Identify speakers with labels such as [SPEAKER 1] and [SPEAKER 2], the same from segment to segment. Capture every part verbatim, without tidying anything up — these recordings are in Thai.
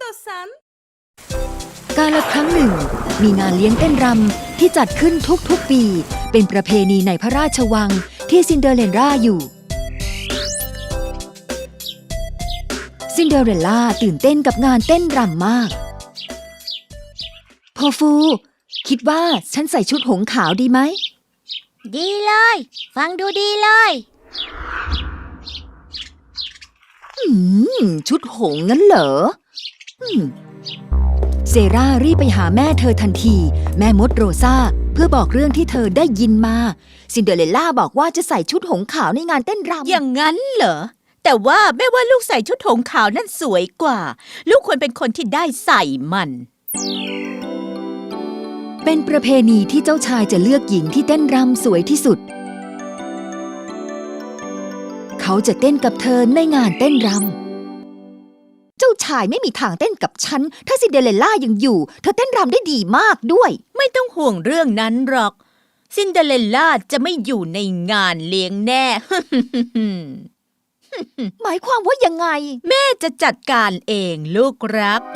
[SPEAKER 1] istiyorsan.
[SPEAKER 2] กาลครั้งหนึ่งมีงานเลี้ยงเต้นรำที่จัดขึ้นทุกๆปีเป็นประเพณีในพระราชวังที่ซินเดอเรลล่าอยู่ซินเดอเรลล่าตื่นเต้นกับงานเต้นรำมากพอฟูคิดว่าฉันใส่ชุดหงส์ขาวดีไหม
[SPEAKER 3] ดีเลยฟังดูดีเลย
[SPEAKER 2] อืมชุดหงส์งั้นเหรออืมเซรารีบไปหาแม่เธอทันทีแม่มดโรซาเพื่อบอกเรื่องที่เธอได้ยินมาซินเดอเรลล่าบอกว่าจะใส่ชุดหงส์ขาวในงานเต้นรำ
[SPEAKER 1] อย่างนั้นเหรอแต่ว่าแม่ว่าลูกใส่ชุดหงส์ขาวนั่นสวยกว่าลูกควรเป็นคนที่ได้ใส่มัน
[SPEAKER 2] เป็นประเพณีที่เจ้าชายจะเลือกหญิงที่เต้นรำสวยที่สุดเขาจะเต้นกับเธอในงานเต้นรำเจ้าชายไม่มีทางเต้นกับฉันถ้าซินเดอเรลล่ายังอยู่เธอเต้นรำได้ดีมากด้วย
[SPEAKER 1] ไม่ต้องห่วงเรื่องนั้นหรอกซินเดอเรลล่าจะไม่อยู่ในงานเลี้ยงแน่
[SPEAKER 2] หมายความว่ายังไง
[SPEAKER 1] แม่จะจัดการเองลูกรัก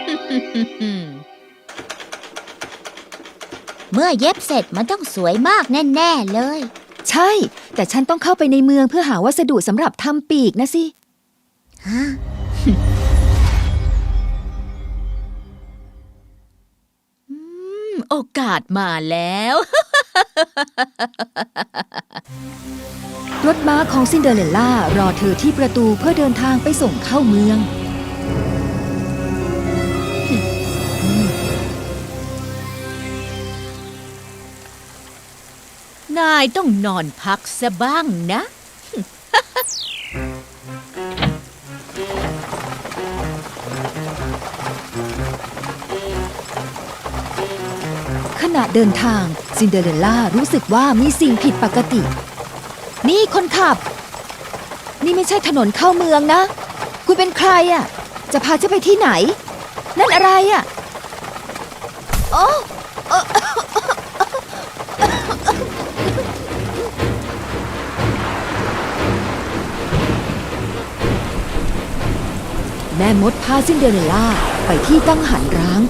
[SPEAKER 3] เมื่อเย็บเสร็จมันต้องสวยมากแน่ๆเลย
[SPEAKER 2] ใช่แต่ฉันต้องเข้าไปในเมืองเพื่อหาวัสดุสำหรับทำปีกนะสิ
[SPEAKER 3] ฮะ
[SPEAKER 1] โอกาสมาแล้ว
[SPEAKER 2] รถม้าของซินเดอเรลล่ารอเธอที่ประตูเพื่อเดินทางไปส่งเข้าเมือง
[SPEAKER 1] นายต้องนอนพักซะบ้างนะ
[SPEAKER 2] ขณะเดินทางซินเดอเรลล่ารู้สึกว่ามีสิ่งผิดปกตินี่คนขับนี่ไม่ใช่ถนนเข้าเมืองนะคุณเป็นใครอ่ะจะพาฉันไปที่ไหนนั่นอะไรอ่ะโอ้แม่มดพาซินเดอเรลล่าไปที่กังหันร้าง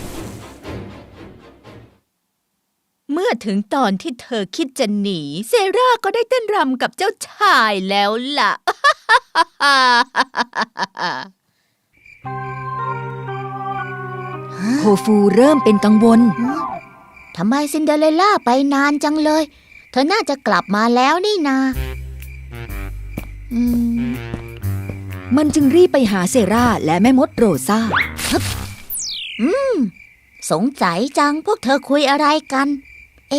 [SPEAKER 1] เมื่อถึงตอนที่เธอคิดจะหนีเซราก็ได้เต้นรำกับเจ้าชายแล้วล่ะ
[SPEAKER 2] โคฟูเริ่มเป็นกังวล
[SPEAKER 3] ทำไมซินเดอเรลล่าไปนานจังเลยเธอน่าจะกลับมาแล้วนี่นาอืม
[SPEAKER 2] มันจึงรีบไปหาเซราและแม่มดโรซา
[SPEAKER 3] อืมสงสัยจังพวกเธอคุยอะไรกันเอ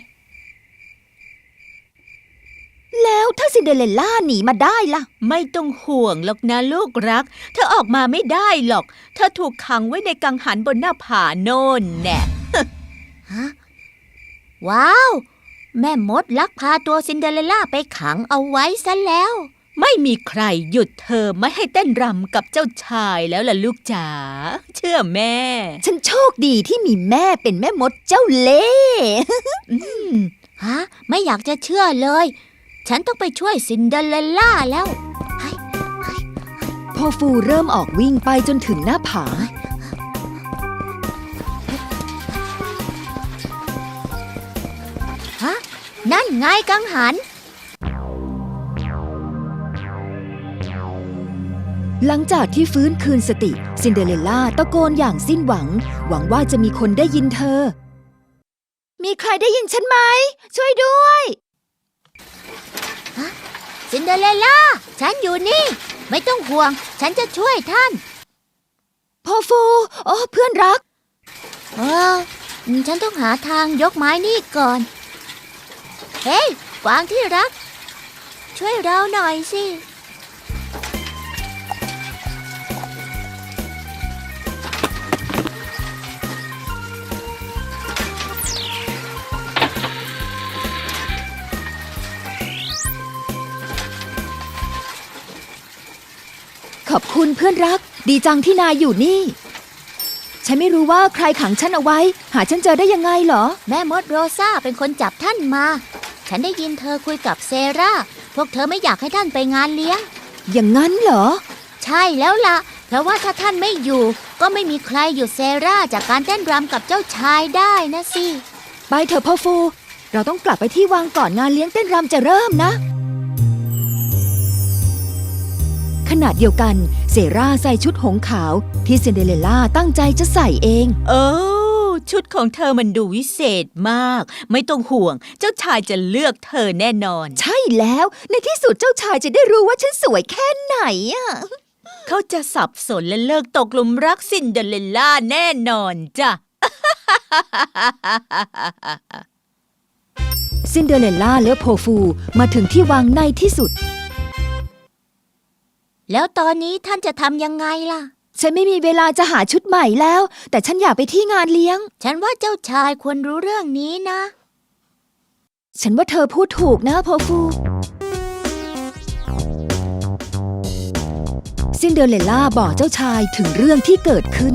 [SPEAKER 2] แล้วถ้าซินเดอเรลล่าหนีมาได้ล่ะ
[SPEAKER 1] ไม่ต้องห่วงหรอกนะลูกรักเธอออกมาไม่ได้หรอกเธอถูกขังไว้ในกังหันบนหน้าผาโน่นแน่
[SPEAKER 3] ฮะว้าวแม่มดลักพาตัวซินเดอเรลล่าไปขังเอาไว้ซะแล้ว
[SPEAKER 1] ไม่มีใครหยุดเธอไม่ให้เต้นรำกับเจ้าชายแล้วล่ะลูกจ๋าเชื่อแม่
[SPEAKER 2] ฉันโชคดีที่มีแม่เป็นแม่มดเจ้าเล่ห์
[SPEAKER 3] ฮะไม่อยากจะเชื่อเลยฉันต้องไปช่วยซินเดอเรลล่าแล้ว
[SPEAKER 2] พอฟูเริ่มออกวิ่งไปจนถึงหน้าผา
[SPEAKER 3] ฮะนั่นไงกังหัน
[SPEAKER 2] หลังจากที่ฟื้นคืนสติซินเดอเรลล่าตะโกนอย่างสิ้นหวังหวังว่าจะมีคนได้ยินเธอมีใครได้ยินฉันไหมช่วยด้วย
[SPEAKER 3] ซินเดอเรลล่าฉันอยู่นี่ไม่ต้องห่วงฉันจะช่วยท่าน
[SPEAKER 2] พ่อฟูโอ้เพื่อนรัก
[SPEAKER 3] เออฉันต้องหาทางยกไม้นี่ก่อนเฮ้ยกวางที่รักช่วยเราหน่อยสิ
[SPEAKER 2] ขอบคุณเพื่อนรักดีจังที่นายอยู่นี่ฉันไม่รู้ว่าใครขังฉันเอาไว้หาฉันเจอได้ยังไงเหรอ
[SPEAKER 3] แม่มดโรซาเป็นคนจับท่านมาฉันได้ยินเธอคุยกับเซราพวกเธอไม่อยากให้ท่านไปงานเลี้ยง
[SPEAKER 2] อย่างนั้นเหรอ
[SPEAKER 3] ใช่แล้วล่ะเพราะว่าถ้าท่านไม่อยู่ก็ไม่มีใครหยุดเซราจากการเต้นรำกับเจ้าชายได้นะสิ
[SPEAKER 2] ไปเถอะพ่อฟู เราต้องกลับไปที่วังก่อนงานเลี้ยงเต้นรำจะเริ่มนะ ขณะเดียวกันเซราใส่ชุดหงส์ขาวที่ซินเดอเรลล่าตั้งใจจะใส่เอง
[SPEAKER 1] โอ้ชุดของเธอมันดูวิเศษมาก ไม่ต้องห่วง เจ้าชายจะเลือกเธอแน่นอน
[SPEAKER 2] ใช่แล้วในที่สุดเจ้าชายจะได้รู้ว่าฉันสวยแค่ไหนอะ
[SPEAKER 1] เขาจะสับสนและเลิกตกหลุมรักซินเดอเรลล่าแน่นอนจ้ะ
[SPEAKER 2] ซินเดอเรลล่าและโพฟูมาถึงที่วังในที่สุด
[SPEAKER 3] แล้วตอนนี้ท่านจะทำยังไงล่ะ
[SPEAKER 2] ฉันไม่มีเวลาจะหาชุดใหม่แล้ว แต่ฉันอยากไปที่งานเลี้ยง
[SPEAKER 3] ฉันว่าเจ้าชายควรรู้เรื่องนี้นะ
[SPEAKER 2] ฉันว่าเธอพูดถูกนะโพฟูซินเดอเรลล่าบอกเจ้าชายถึงเรื่องที่เกิดขึ้น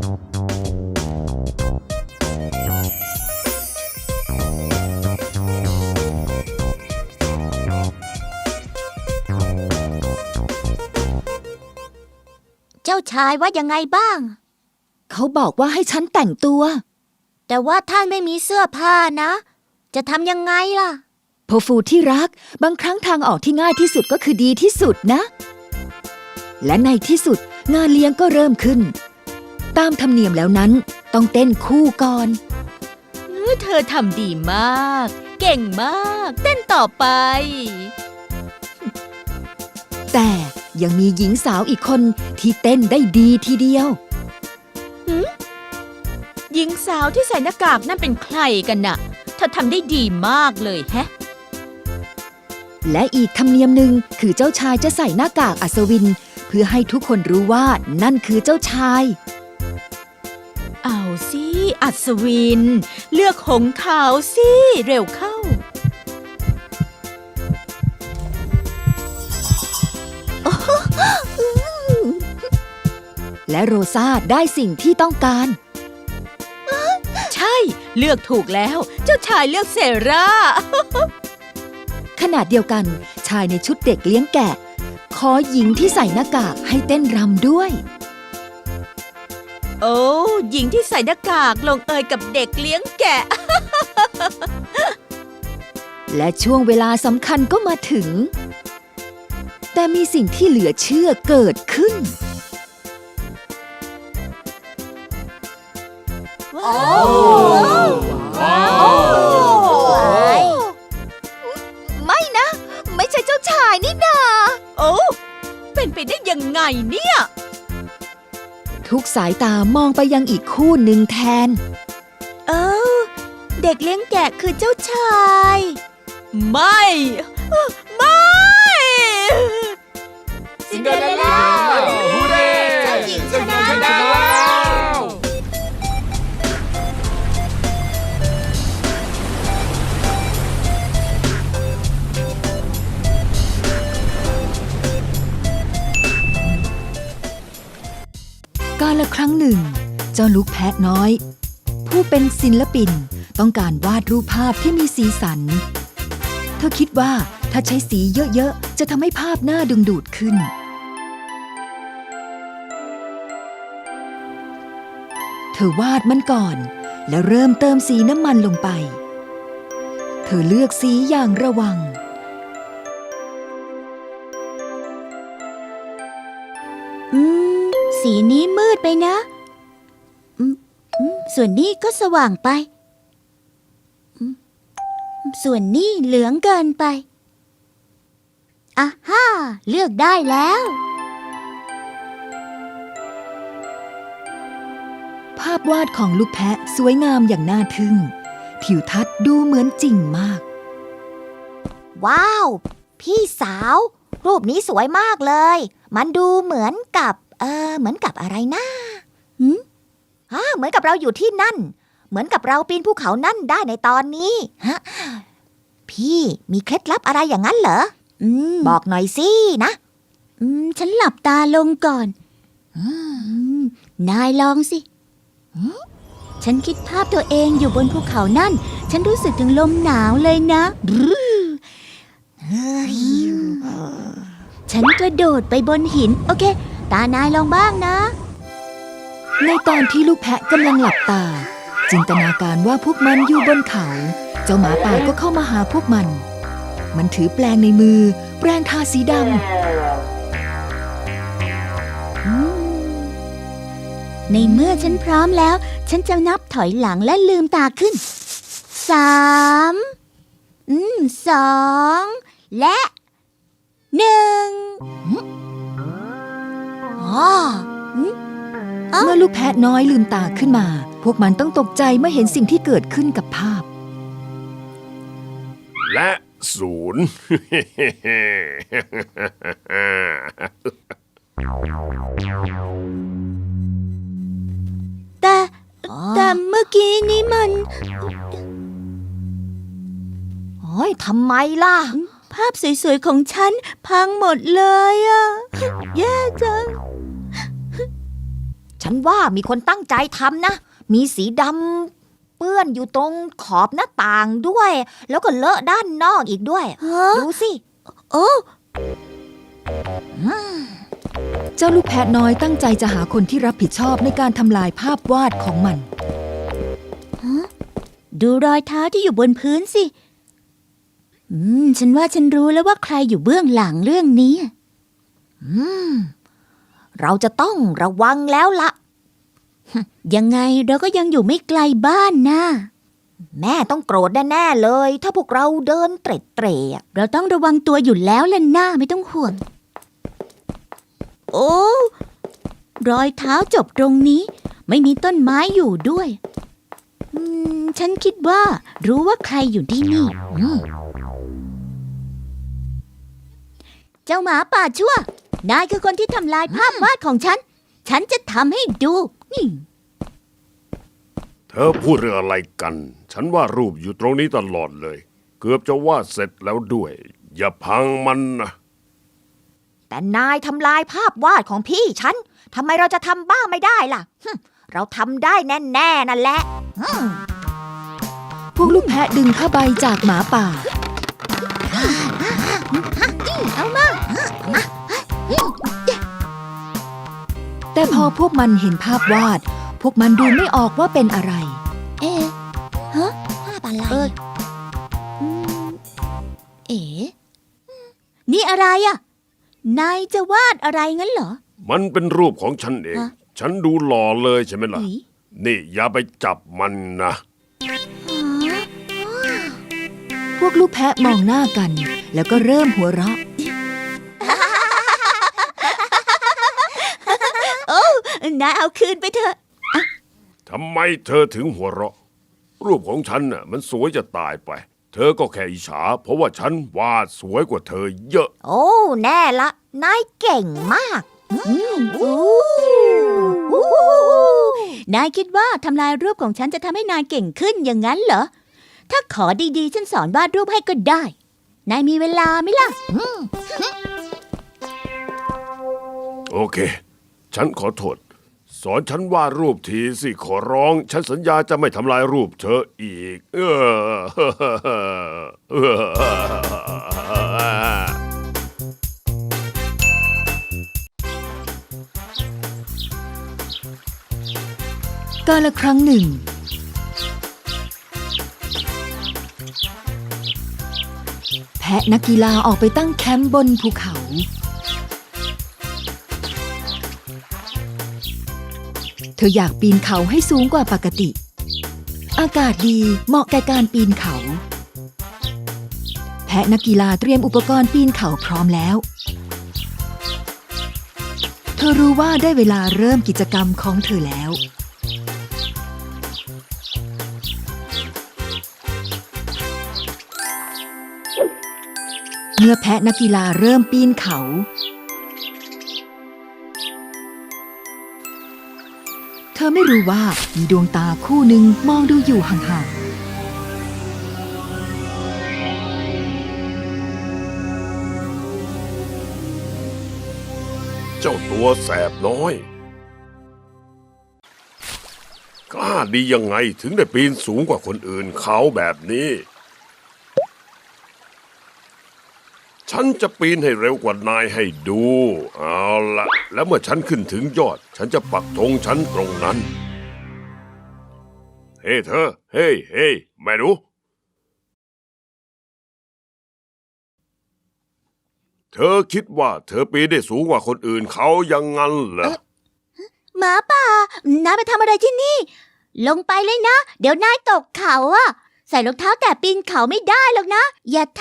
[SPEAKER 3] เจ้าชายว่ายังไงบ้าง
[SPEAKER 2] เขาบอกว่าให้ฉันแต่งตัว
[SPEAKER 3] แต่ว่าท่านไม่มีเสื้อผ้านะ จะทำยังไงล่ะ
[SPEAKER 2] โพฟูที่รักบางครั้งทางออกที่ง่ายที่สุดก็คือดีที่สุดนะ และในที่สุดงานเลี้ยงก็เริ่มขึ้น ตามธรรมเนียมแล้วนั้นต้องเต้นคู่ก่อน
[SPEAKER 1] เธอทำดีมาก เก่งมาก เต้นต่อไป
[SPEAKER 2] แต่ยังมีหญิงสาวอีกคนที่เต้นได้ดีทีเดียว
[SPEAKER 1] หญิงสาวที่ใส่หน้ากากนั่นเป็นใครกันน่ะเธอทำได้ดีมากเลยแฮะ
[SPEAKER 2] และอีกธรรมเนียมหนึ่งคือเจ้าชายจะใส่หน้ากากอัศวิน เพื่อให้ทุกคนรู้ว่านั่นคือเจ้าชาย
[SPEAKER 1] เอาสิอัศวิน เลือกหงส์ขาวสิเร็วเข้า
[SPEAKER 2] และโรซาได้สิ่งที่ต้องการ
[SPEAKER 1] ใช่เลือกถูกแล้ว เจ้าชายเลือกเซรา
[SPEAKER 2] ขณะเดียวกันชายในชุดเด็กเลี้ยงแกะ ขอหญิงที่ใส่หน้ากากให้เต้นรำด้วย
[SPEAKER 1] โอ้หญิงที่ใส่หน้ากากลงเอยกับเด็กเลี้ยงแกะ
[SPEAKER 2] และช่วงเวลาสำคัญก็มาถึง แต่มีสิ่งที่เหลือเชื่อเกิดขึ้น
[SPEAKER 1] ว้าว
[SPEAKER 2] ไม่นะ ไม่ใช่เจ้าชายนี่นา
[SPEAKER 1] โอ้เป็นไปได้ยังไงเนี่ย
[SPEAKER 2] ทุกสายตามองไปยังอีกคู่หนึ่งแทน
[SPEAKER 1] เออเด็กเลี้ยงแกะคือเจ้าชาย ไม่ ไม่
[SPEAKER 3] ซินเดอเรลล่า
[SPEAKER 4] ฮูเร่
[SPEAKER 3] เจ้าหญิงชนะ
[SPEAKER 4] ชนะแล้ว
[SPEAKER 2] กาลครั้งหนึ่ง เจ้าลูกแพะน้อย ผู้เป็นศิลปินต้องการวาดรูปภาพที่มีสีสัน เธอคิดว่าถ้าใช้สีเยอะๆจะทำให้ภาพน่าดึงดูดขึ้น เธอวาดมันก่อน แล้วเริ่มเติมสีน้ำมันลงไป เธอเลือกสีอย่างระวัง
[SPEAKER 3] อืม สีนี้มืดไปนะอืมอืมส่วนนี้ก็สว่างไปอืมส่วนนี้เหลืองเกินไปอ่ะฮ่าเลือกได้แล้ว
[SPEAKER 2] ภาพวาดของลูกแพะสวยงามอย่างน่าทึ่ง ทิวทัศน์ดูเหมือนจริงมาก
[SPEAKER 3] ว้าว พี่สาว รูปนี้สวยมากเลย มันดูเหมือนกับ เออเหมือนกับอะไรนะหืมฮะเหมือนกับเราอยู่ที่นั่น เหมือนกับเราปีนภูเขานั่นได้ในตอนนี้ฮะพี่มีเคล็ดลับอะไรอย่างนั้นเหรออืมบอกหน่อยสินะอืมฉันหลับตาลงก่อนอืมนายลองสิฉันคิดภาพตัวเองอยู่บนภูเขานั่น ฉันรู้สึกถึงลมหนาวเลยนะฉันกระโดดไปบนหิน โอเคตานายลองบ้างนะ
[SPEAKER 2] ในตอนที่ลูกแพะกำลังหลับตา จินตนาการว่าพวกมันอยู่บนเขา เจ้าหมาป่าก็เข้ามาหาพวกมัน มันถือแปรงในมือ แปรงทาสีด
[SPEAKER 3] ในเมื่อฉันพร้อมแล้ว ฉันจะนับถอยหลังและลืมตาขึ้น สามอืมสองและหนึ่งอ๋อ
[SPEAKER 2] ำเมื่อลูกแพะน้อยลืมตาขึ้นมา พวกมันต้องตกใจเมื่อเห็นสิ่งที่เกิดขึ้นกับภาพ
[SPEAKER 4] และศูนย์
[SPEAKER 3] แต่แต่เมื่อกี้นี้มันโอ้ยทำไมล่ะ ภาพสวยๆของฉันพังหมดเลยอะแย่จัง ฉันว่ามีคนตั้งใจทำนะ มีสีดำเปื้อนอยู่ตรงขอบหน้าต่างด้วย แล้วก็เลอะด้านนอกอีกด้วย ดูสิ โอ้
[SPEAKER 2] เจ้าลูกแพะน้อยตั้งใจจะหาคนที่รับผิดชอบในการทำลายภาพวาดของมัน
[SPEAKER 3] ดูรอยเท้าที่อยู่บนพื้นสิ อืม ฉันว่าฉันรู้แล้วว่าใครอยู่เบื้องหลังเรื่องนี้ อืม เราจะต้องระวังแล้วละยังไงเราก็ยังอยู่ไม่ไกลบ้านนะแม่ต้องโกรธแน่ๆเลย ถ้าพวกเราเดินเตร็ดเตร่เราต้องระวังตัวอยู่แล้วล่ะหน้าไม่ต้องห่วง โอ้รอยเท้าจบตรงนี้ ไม่มีต้นไม้อยู่ด้วยอืมฉันคิดว่ารู้ว่าใครอยู่ที่นี่เจ้าหมาป่าชั่วนายคือคนที่ทำลายภาพวาดของฉัน ฉันจะทำให้ดูนี่
[SPEAKER 4] เธอพูดเรื่องอะไรกัน ฉันว่ารูปอยู่ตรงนี้ตลอดเลย เกือบจะวาดเสร็จแล้วด้วย อย่าพังมันนะ
[SPEAKER 3] แต่นายทำลายภาพวาดของพี่ฉันทำไมเราจะทำบ้างไม่ได้ล่ะเราทำได้แน่ๆนั่นแหละ
[SPEAKER 2] พวกลูกแพะดึงผ้าใบจากหมาป่า
[SPEAKER 3] เอามา
[SPEAKER 2] แต่พอพวกมันเห็นภาพวาด พวกมันดูไม่ออกว่าเป็นอะไร
[SPEAKER 3] เอ๊ะฮะภาพอะไรเออเอ๋นี่อะไรอ่ะนายจะวาดอะไรงั้นเหรอ
[SPEAKER 4] มันเป็นรูปของฉันเอง ฉันดูหล่อเลยใช่ไหมล่ะ นี่อย่าไปจับมันนะ
[SPEAKER 2] พวกลูกแพะมองหน้ากัน แล้วก็เริ่มหัวเราะ
[SPEAKER 3] โอ้นายเอาคืนไปเถอะ
[SPEAKER 4] ทำไมเธอถึงหัวเราะ รูปของฉันน่ะมันสวยจะตายไป เธอก็แค่อิจฉาเพราะว่าฉันวาดสวยกว่าเธอเยอะ
[SPEAKER 3] โอ้แน่ละนายเก่งมากนายคิดว่าทำลายรูปของฉันจะทำให้นายเก่งขึ้นอย่างนั้นเหรอ ถ้าขอดีๆฉันสอนวาดรูปให้ก็ได้ นายมีเวลาไหมล่ะ
[SPEAKER 4] โอเค ฉันขอโทษ สอนฉันวาดรูปทีสิขอร้อง ฉันสัญญาจะไม่ทำลายรูปเธออีก เออ
[SPEAKER 2] กาลครั้งหนึ่ง แพะนักกีฬาออกไปตั้งแคมป์บนภูเขา เธออยากปีนเขาให้สูงกว่าปกติ อากาศดีเหมาะแก่การปีนเขา แพะนักกีฬาเตรียมอุปกรณ์ปีนเขาพร้อมแล้ว เธอรู้ว่าได้เวลาเริ่มกิจกรรมของเธอแล้ว เมื่อแพะนักกีฬาเริ่มปีนเขา เธอไม่รู้ว่ามีดวงตาคู่หนึ่งมองดูอยู่ห่าง
[SPEAKER 4] เจ้าตัวแสบน้อย กล้าดียังไงถึงได้ปีนสูงกว่าคนอื่นเขาแบบนี้ฉันจะปีนให้เร็วกว่านายให้ดู เอาละแล้วเมื่อฉันขึ้นถึงยอด ฉันจะปักธงฉันตรงนั้น เฮ้เธอ เฮ้เฮ้แม่หนูเธอคิดว่าเธอปีนได้สูงกว่าคนอื่นเขายังงั้นเหรอ
[SPEAKER 3] หมาป่านายไปทำอะไรที่นี่ ลงไปเลยนะ เดี๋ยวนายตกเขาอะใส่รองเท้าแต่ปีนเขาไม่ได้หรอกนะ อย่าท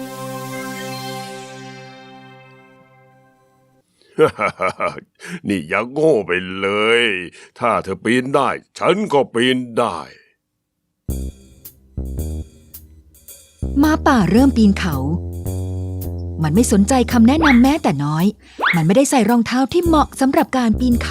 [SPEAKER 4] นี่อย่าโง่ไปเลย ถ้าเธอปีนได้ ฉันก็ปีนได้
[SPEAKER 2] หมาป่าเริ่มปีนเขา มันไม่สนใจคำแนะนำแม้แต่น้อย มันไม่ได้ใส่รองเท้าที่เหมาะสำหรับการปีนเขา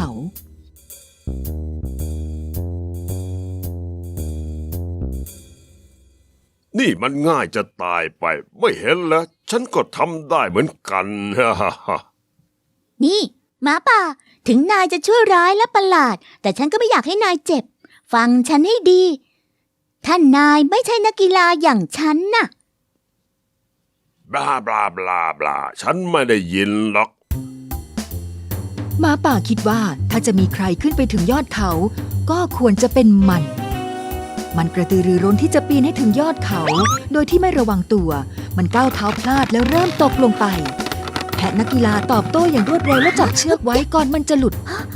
[SPEAKER 4] นี่มันง่ายจะตายไป ไม่เห็นแล้ว ฉันก็ทำได้เหมือนกัน
[SPEAKER 3] ำนี่หมาป่า ถึงนายจะชั่วร้ายและประหลาด แต่ฉันก็ไม่อยากให้นายเจ็บ ฟังฉันให้ดีถ้านายไม่ใช่นักกีฬาอย่างฉันน่ะ
[SPEAKER 4] บลาบลาบลาบลาฉันไม่ได้ยินหรอก
[SPEAKER 2] หมาป่าคิดว่าถ้าจะมีใครขึ้นไปถึงยอดเขา ก็ควรจะเป็นมัน มันกระตือรือร้นที่จะปีนให้ถึงยอดเขา โดยที่ไม่ระวังตัว มันก้าวเท้าพลาดแล้วเริ่มตกลงไป แพะนักกีฬาตอบโต้อย่างรวดเร็วและจับเชือกไว้ก่อนมันจะหลุด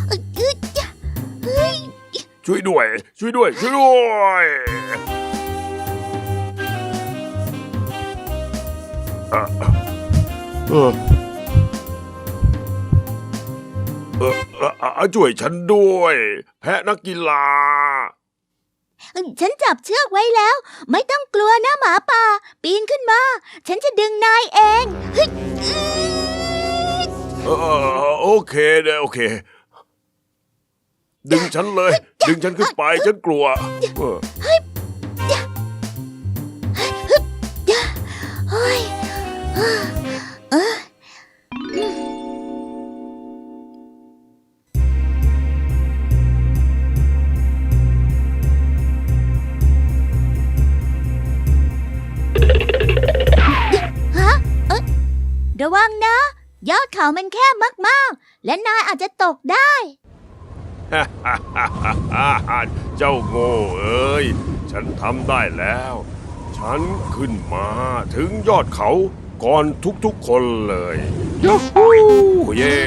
[SPEAKER 4] ช่วยด้วย ช่วยด้วย ช่วยด้วยอ่ะเออเออเอออ่ะช่วยฉันด้วย แพะนักกีฬา
[SPEAKER 3] ฉันจับเชือกไว้แล้ว ไม่ต้องกลัวนะหมาป่า ปีนขึ้นมา ฉันจะดึงนายเองเฮ้ย
[SPEAKER 4] เออโอเคเด้อโอเค ดึงฉันเลย ดึงฉันขึ้นไป ฉันกลัวเออ
[SPEAKER 3] เฮ้ยเออ ฮะเอ๊ะระวังนะ ยอดเขามันแคบมากๆ และนายอาจจะตกได้
[SPEAKER 4] เจ้าโง่เอ้ย ฉันทำได้แล้ว ฉันขึ้นมาถึงยอดเขาก่อนทุกๆคนเลยยูฮูเย่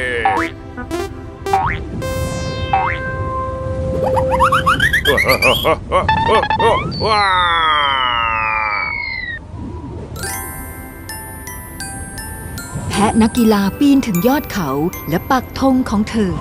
[SPEAKER 4] ว้า
[SPEAKER 2] แพะนักกีฬาปีนถึงยอดเขาและปักธงของเธอ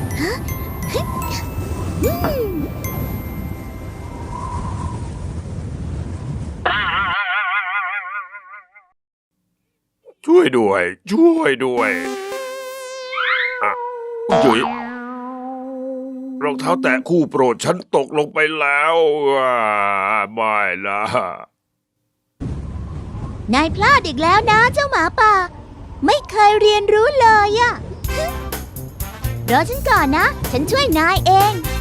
[SPEAKER 4] ช่วยด้วย ช่วยด้วยอ่ะจุ๋ยรองเท้าแตะคู่โปรดฉันตกลงไปแล้วอ่าไม่ละ
[SPEAKER 3] นายพลาดอีกแล้วนะเจ้าหมาป่า ไม่เคยเรียนรู้เลยอะ รอฉันก่อนนะ ฉันช่วยนายเอง